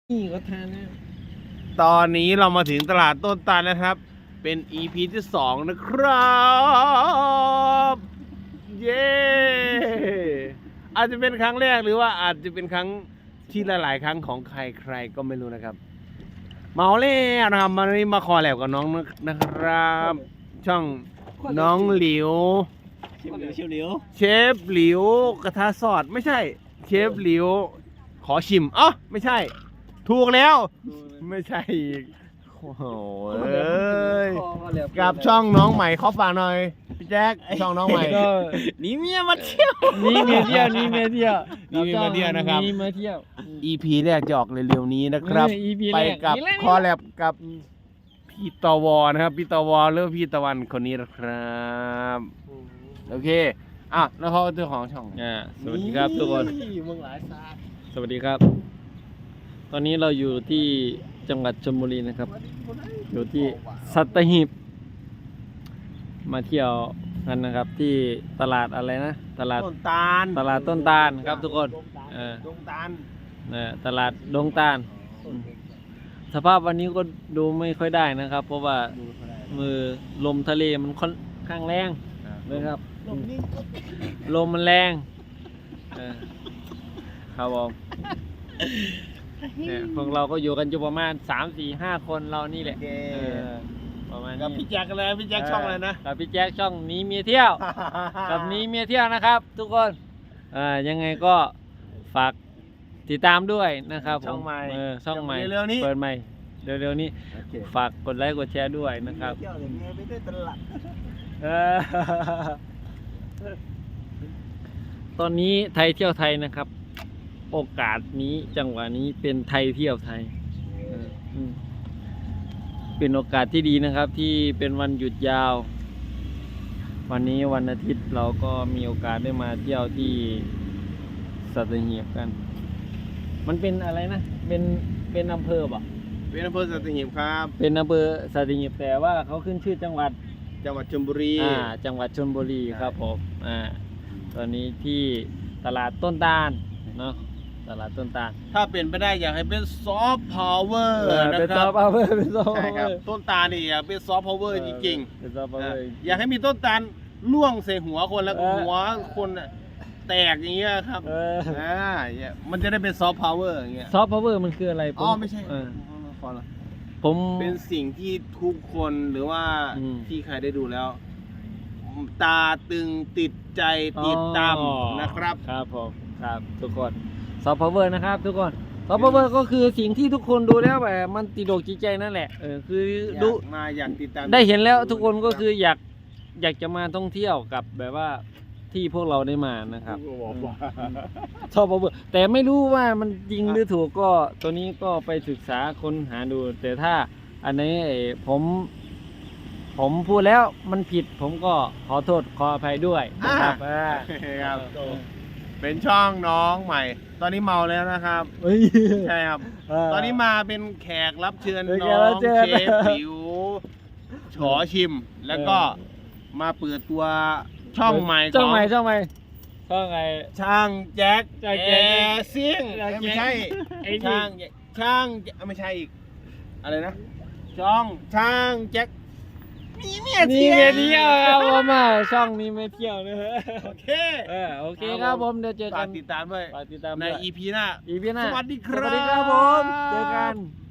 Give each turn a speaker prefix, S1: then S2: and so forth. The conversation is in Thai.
S1: นี่ก็ทานนะ
S2: ตอนนี้เรามาถึงตลาดต้นตาลนะครับ เป็น EP ที่2นะครับ เย้อาจจะเป็นครั้งแรกหรือว่าอาจจะเป็นครั้งที่หลายๆครั้งของใครๆก็ไม่รู้นะครับเมาแล้วนะครับวันนี้มาคอแลบกับน้องนะครับ ช่องน้องหลิว
S1: เชียวเหลียว
S2: เชฟหลิวกระทะสอดไม่ใช่ เชฟหลิวขอชิมอ๋อไม่ใช่ ถูกแล้ว ไม่ใช่อีกโอ้โหเอ้ยกับช่องน้องใหม่ขอฝากหน่อยพี่แจ็คช่องน้องใหม่
S1: ก็
S3: หนีเมียมาเที่ยว
S1: นี่เมียเที่ยวนี่เมียเที่ยว
S2: นี่เมียเที่ยวนะครับ
S1: นี่เมียเที่ยว
S2: EP แรกจะออกเร็วๆนี้นะครับ
S1: EP
S2: ไป
S1: แรก
S2: กับ
S1: นี่แหละ
S2: คอแลบกับพี่ตวนะครับพี่ตวหรือพี่ตะวันคนนี้นะครับโอเคอ่ะแล้วเขาเจ้าของช่อง
S1: สวัสดีครับทุกคน
S2: มึงหลายซา
S1: สวัสดีครับ ตอนนี้เราอยู่ที่จังหวัดชลบุรีนะครับ อยู่ที่สัตหีบมาเที่ยวกันนะครับ ที่ตลาดอะไรนะ ตลาด
S2: ต้นตาล
S1: ตลาดต้นตาลครับทุกคน
S2: ดงตาล
S1: ตลาดดงตาลสภาพวันนี้ก็ดูไม่ค่อยได้นะครับ เพราะว่ามือลมทะเลมันค่อนข้างแรงนะครับลมมันแรงครับผมเนี่ยพวกเราก็อยู่กันอยู่ประมาณ 3-4-5 คนเรานี่แหละประมาณ
S2: กับ
S1: นี้
S2: พี่แจ็คอะไรพี่แจ็คช่องอะไรนะ
S1: กับพี่แจ็คช่องนี้เมียเที่ยว กับนี้เมียเที่ยวนะครับ ทุกคนยังไงก็ฝากติดตามด้วยนะครับผม
S2: ช่องใหม่
S1: ช่องใหม่
S2: เร็วๆนี้
S1: เปิดใหม่เร็วๆนี้
S2: โอเค
S1: ฝากกดไลค์กดแชร์ด้วยนะครับ
S2: เที่ยวอย่างเงี้ยไม่ได้ตลาด
S1: เออตอนนี้ไทยเที่ยวไทยนะครับ โอกาสนี้จังหวะนี้เป็นไทยเที่ยวไทยเป็นโอกาสที่ดีนะครับ ที่เป็นวันหยุดยาว วันนี้วันอาทิตย์เราก็มีโอกาสได้มาเที่ยวที่สัตหีบกัน มันเป็นอะไรนะเป็นอำเภอป่ะ
S2: เป็นอำเภอสัตหีบครับ
S1: เป็นอำเภอสัตหีบแต่ว่าเขาขึ้นชื่อจังหวัด
S2: จังหวัดชลบุรี
S1: จังหวัดชลบุรีครับผมตอนนี้ที่ตลาดต้นตาลเนาะตลาดต้นตาล
S2: ถ้าเป็นไปได้อยากให้เป็นซอฟต์พาวเวอร์นะ
S1: เป็น
S2: ค
S1: ซอ
S2: รั
S1: ฟ
S2: บ
S1: ต์พาวเวอร์เป็นซอฟต์
S2: ใช่
S1: พาวเว
S2: ค
S1: อ
S2: รับ
S1: ร์
S2: ต้นตาลนี่อยากเป็นซอฟต์พาวเวอร์จริง
S1: เป็นซอฟต์พาวเวอร์
S2: อยากให้มีต้นตาลล่วงใส่หัวคนแล้วก็หัวคนแตกอย่างเงี้ยครับมันจะได้เป็นซอฟต์พาวเวอร์อย่างเงี้ย
S1: ซอฟต์พาวเวอร์มันคืออะไร
S2: อ๋อไม่ใช่ พอละ
S1: ผม
S2: เป็นสิ่งที่ทุกคนหรือว่าที่ใครได้ดูแล้ว ตาตึงติดใจติดตามนะครับ
S1: ครับผมครับทุกคนซอฟต์พาวเวอร์นะครับ ทุกคนซอฟต์พาวเวอร์ก็คือสิ่งที่ทุกคนดูแล้วแบบมันติดอกจิตใจนั่นแหละคือดู
S2: อยากติดตาม
S1: ได้เห็นแล้วทุกคนก็คืออยากจะมาท่องเที่ยวกับแบบว่าที่พวกเราได้มานะครับซอฟต์พาวเวอร์แต่ไม่รู้ว่ามันจริงหรือถูกก็ตัวนี้ก็ไปศึกษาค้นหาดู แต่ถ้าอันนี้ผมพูดแล้วมันผิดผมก็ขอโทษขออภัยด้วยนะครับ
S2: ครับเป็นช่องน้องใหม่ ตอนนี้เมาแล้วนะครับ ใช่ครับ ตอนนี้มาเป็นแขกรับเชิญ
S1: เป็น
S2: น้
S1: แข
S2: อก
S1: รับ
S2: ง
S1: เชิญ
S2: เชฟผิวฉอชิม แล้วก็มาเปิดตัวช่องใหม่
S1: ช่องใหม่
S2: ของ
S1: ช่องใหม่ช่องไง
S2: ช่างแจ็ค
S1: ช่าง
S2: แอ
S1: แจ็ค
S2: ร์ซิ่ง
S1: ช่างแจ็ค
S2: ไม่ใช่
S1: ไอ้นี่
S2: ช่างไม่ใช่อีกอะไรนะช่องช่างแจ็คมีเมีย
S1: นี่
S2: เที่
S1: เมี
S2: ย
S1: ยว เที่ยวครับผมช่องนี้ไม่เที่ยวนะฮะ
S2: โอเค
S1: โอเคครับผมเดี๋ยวเจอกั
S2: ฝาน กติดตามด้วย
S1: ฝากติดตาม
S2: ใน
S1: ด้วย
S2: EP หน้า
S1: อีพีหน้า
S2: สวัสดีครับ
S1: สวัสดีครับผมเจอกัน